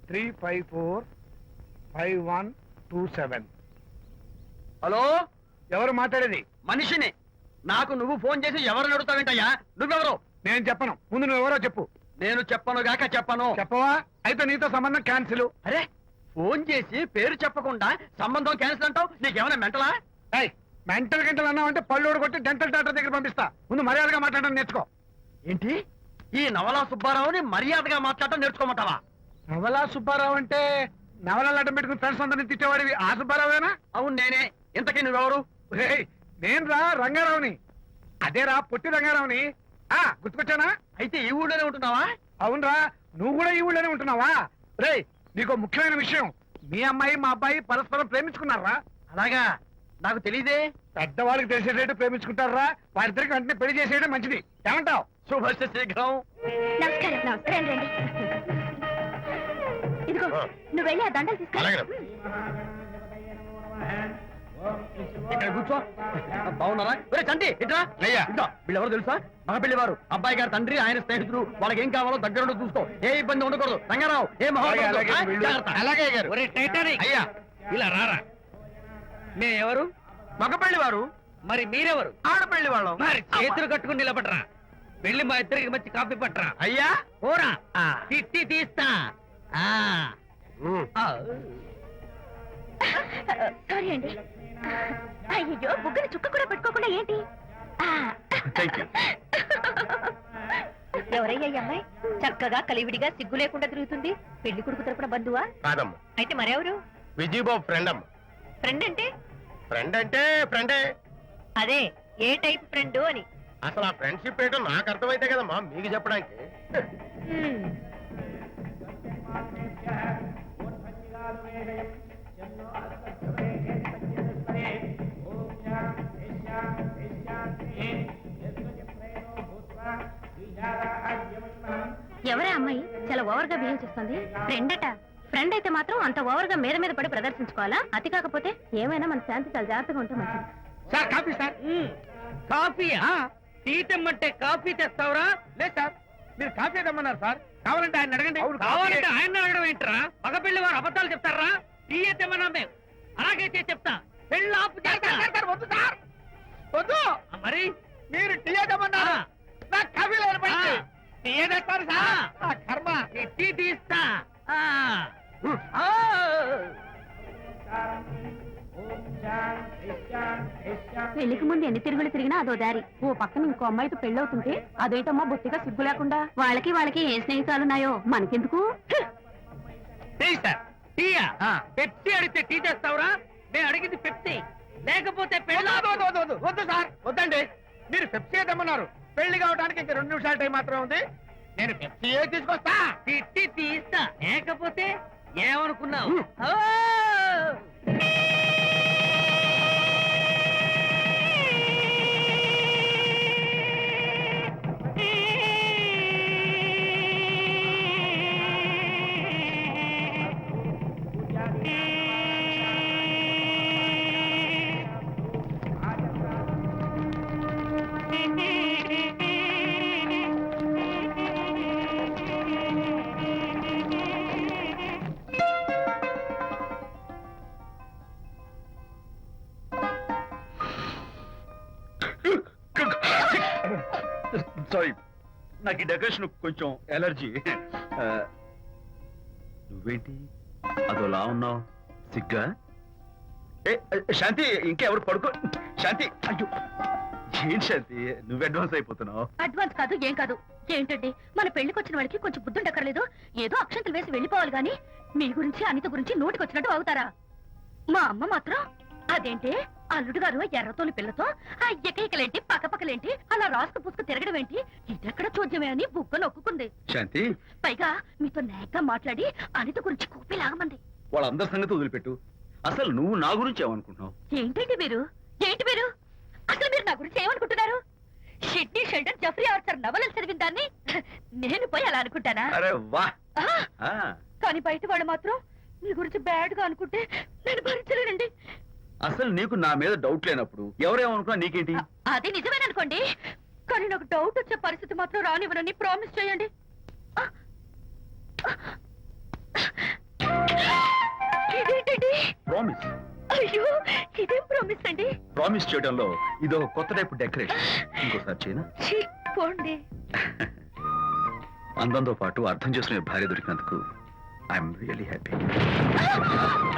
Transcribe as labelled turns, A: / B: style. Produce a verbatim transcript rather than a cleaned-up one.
A: Three five four five one two seven.
B: Hello,
A: ఎవరు మాట్లాడేది?
B: మనిషిని. నాకు నువ్వు ఫోన్ చేసి ఎవరు అడుగుతావేంటయ్యా? నువ్వెవరు?
A: నేను చెప్పను, ముందు నువ్వెవరో చెప్పు.
B: నేను చెప్పను గాక చెప్పను.
A: చెప్పవా? అయితే నీతో సంబంధం క్యాన్సిల్.
B: అరే, ఫోన్ చేసి పేరు చెప్పకుండా సంబంధం క్యాన్సిల్ అంటావు? నీకేమైనా మెంటలా?
A: మెంటల్ గంటలు అన్నావు అంటే పళ్ళు కొట్టి డెంటల్ డాక్టర్ దగ్గర పంపిస్తా. ముందు మర్యాదగా మాట్లాడడం నేర్చుకో.
B: ఏంటి, ఈ నవలా సుబ్బారావుని మర్యాదగా మాట్లాడటం నేర్చుకోమంటావా?
A: నవలా సుబ్బారావు అంటే నవలాలు అడ్డం పెట్టుకుని ఫ్రెండ్స్ అందరినీ తిట్టేవాడివి ఆ సుబ్బారావేనా?
B: అవును నేనే. ఇంతకీ నువ్వెవరు?
A: నేను రా రంగారావుని. అదేరా పొట్టి రంగారావుని. ఆ గుర్తుకొచ్చానా?
B: అయితే ఈ ఊళ్ళోనే ఉంటున్నావా?
A: అవునరా, నువ్వు కూడా ఈ ఊళ్ళోనే ఉంటున్నావా? రే, నీకు ముఖ్యమైన విషయం, మీ అమ్మాయి మా అబ్బాయి పరస్పరం ప్రేమించుకున్నారా?
B: అలాగా? నాకు తెలీదే.
A: పెద్దవాళ్ళకి తెలిసేటట్టు ప్రేమించుకుంటారా? వారిద్దరికి వెంటనే పెళ్లి చేసేయడం మంచిది. ఏమంటావు?
B: శుభస్య శీఘ్రం.
C: నమస్కారం. నమస్కారం రండి. ఇదిగో, నువ్వు వెళ్ళి ఆ దండలు తీసుకురా.
B: ఇక్కడ కూర్చో. బాగున్నారా? ఒరే చంటి, ఇట్రా. ఇట్లా వీళ్ళెవరు తెలుసా? మగ పెళ్లి వారు, అబ్బాయి గారి తండ్రి, ఆయన స్నేహితుడు. వాళ్ళకి ఏం కావాలో దగ్గర చూసుకో. ఏ ఇబ్బంది ఉండకూడదు. రంగారావు, ఏ
A: అలాగే గారు.
B: అయ్యా ఇలా రారా. మే ఎవరు? మగపెళ్లి వారు. మరి మీరెవరు? ఆడపెళ్లి వాళ్ళం. మరి చేతులు కట్టుకుని నిలబడరా. వెళ్ళి మా ఇద్దరికి మంచి కాఫీ పట్టరా. అయ్యా ఓరా, తిట్టి తీస్తా.
C: సారీ అండి. అయ్యో, బుగ్గని చుక్క కూడా పెట్టుకోకుండా ఏంటి? ఎవరయ్యా ఈ అమ్మాయి? చక్కగా కలివిడిగా సిగ్గు లేకుండా తిరుగుతుంది. పెళ్లి కొడుకు తరపున బంధువా?
D: కాదమ్మా.
C: అయితే మరెవరు?
D: విజయబాబు ఫ్రెండ్ అమ్మ.
C: ఫ్రెండ్ అంటే?
D: ఫ్రెండ్ అంటే ఫ్రెండే.
C: అదే, ఏ టైప్ ఫ్రెండ్ అని.
D: అసలు ఆ ఫ్రెండ్షిప్ ఏంటో నాకు అర్థమైతే కదమ్మా మీకు చెప్పడానికి.
C: ఎవరే అమ్మాయి చాలా ఓవర్ గా బిహేవ్ చేస్తుంది? ఫ్రెండ్ అట. ఫ్రెండ్ అయితే మాత్రం అంత ఓవర్ గా మీద మీద పడి ప్రదర్శించుకోవాలా? అతి కాకపోతే ఏమైనా మన శాంతి చాలా జాగ్రత్తగా ఉంటే మంచిది.
B: Sir coffee sir. కాఫీయా? టీ తెమ్మంటే కాఫీ తెస్తావురా? లేదు సార్, మీరు కాఫీ తెమ్మన్నారు సార్. కావాలంటే ఆయన అడగండి. కావాలంటే ఆయన అడగడం ఏంట్రా? మగ పెళ్లి వారు అబద్ధాలు చెప్తారా? టీ తెమ్మన్నా మేము అలాగైతే చెప్తా. పెళ్ళి ఆపు చేస్తారు. వద్దు సార్, వద్దు. మరి మీరు టీ తెమ్మన్నారు, నాకు కాఫీ లేదు. టీ తెస్తారు సార్. కర్మ, టీ తీస్తా.
C: పెళ్లికి ముందు ఎన్ని తిరుగులు తిరిగినా అదో దారి. ఓ పక్కన ఇంకో అమ్మాయితో పెళ్ళవుతుంటే అదేంటమ్మా బొత్తిగా సిగ్గు లేకుండా. వాళ్ళకి వాళ్ళకి ఏ స్నేహితాలున్నాయో మనకెందుకు?
B: పెప్సీ అడిగితే టీ చేస్తావురా? నేను అడిగింది పెప్సీ, లేకపోతే వద్దు సార్. వద్దండి, మీరు పెప్సీ తెమ్మన్నారు. పెళ్లి కావడానికి ఇంకా రెండు నిమిషాల టైం మాత్రమే ఉంది. నేను పెప్సీ తీసుకొస్తా. తిట్టి తీస్తా, లేకపోతే ఏమనుకున్నావు?
E: సారీ, నాకు ఈ డెకరేషన్ కొంచెం ఎలర్జీ. నువ్వేంటి అదోలా ఉన్నావు? సిగ్గా? ఏ శాంతి, ఇంకెవరు పడుకో. శాంతి, అయ్యో ఏం శాంతి, నువ్వు అడ్వాన్స్ అయిపోతున్నావు.
C: అడ్వాన్స్ కాదు, ఏం కాదు. ఏంటండి, మన పెళ్లికి వచ్చిన వాళ్ళకి కొంచెం బుద్ధుండక్కర్లేదు? ఏదో అక్షంతలు వేసి వెళ్ళిపోవాలి గాని మీ గురించి అనిత గురించి నోటికి వచ్చినట్టు అవుతారా? మా అమ్మ మాత్రం అదేంటి అల్లుడు గారు ఎర్రతోని పిల్లతో ఆ ఎకైకలేంటి పక్కపక్కలేంటి అలా రాసుకు పుసుకు తిరగడం ఏంటి, ఇదెక్కడ చూద్యమే అని బుక్క నొక్కుంది.
E: శాంతి,
C: పైగా మీతో నేగ్గా మాట్లాడి అనిత గురించి కూపి లాగమంది.
E: వాళ్ళందరి సంగతి వదిలిపెట్టు. అసలు నువ్వు నా గురించి ఏమనుకుంటున్నావు?
C: ఏంటండి మీరు? ఏంటి మీరు అసలు మీరు నా గురించి ఏమనుకుంటున్నారు? షిడ్నీ షెల్డన్ జఫ్రీ ఆర్చర్ నవలలు చదివిన దాన్ని నేను పోయి అలా అనుకుంటానా?
E: అరే వా.
C: కానీ బయట వాళ్ళు మాత్రం మీ గురించి బ్యాడ్ గా అనుకుంటే నేను భరించలేనండి.
E: అసలు నీకు నా మీద డౌట్ లేనప్పుడు ఎవరేమనుకున్నా నీకేంటి?
C: అది నిజమేననుకోండి, కానీ నాకు డౌట్ వచ్చే పరిస్థితి మాత్రం రానివ్వనని ప్రామిస్ చేయండి. అయ్యో ఇదేం ప్రామిస్ అండి?
E: ప్రామిస్ చేయడంలో ఇదో కొత్త టైపు డెకరేషన్. ఇంకోసారి చేయనా?
C: ఛీ, పోండి.
E: అందంతో పాటు అర్థం చేసుకునే భార్య దొరికినందుకు ఐఎమ్ రియలీ హ్యాపీ.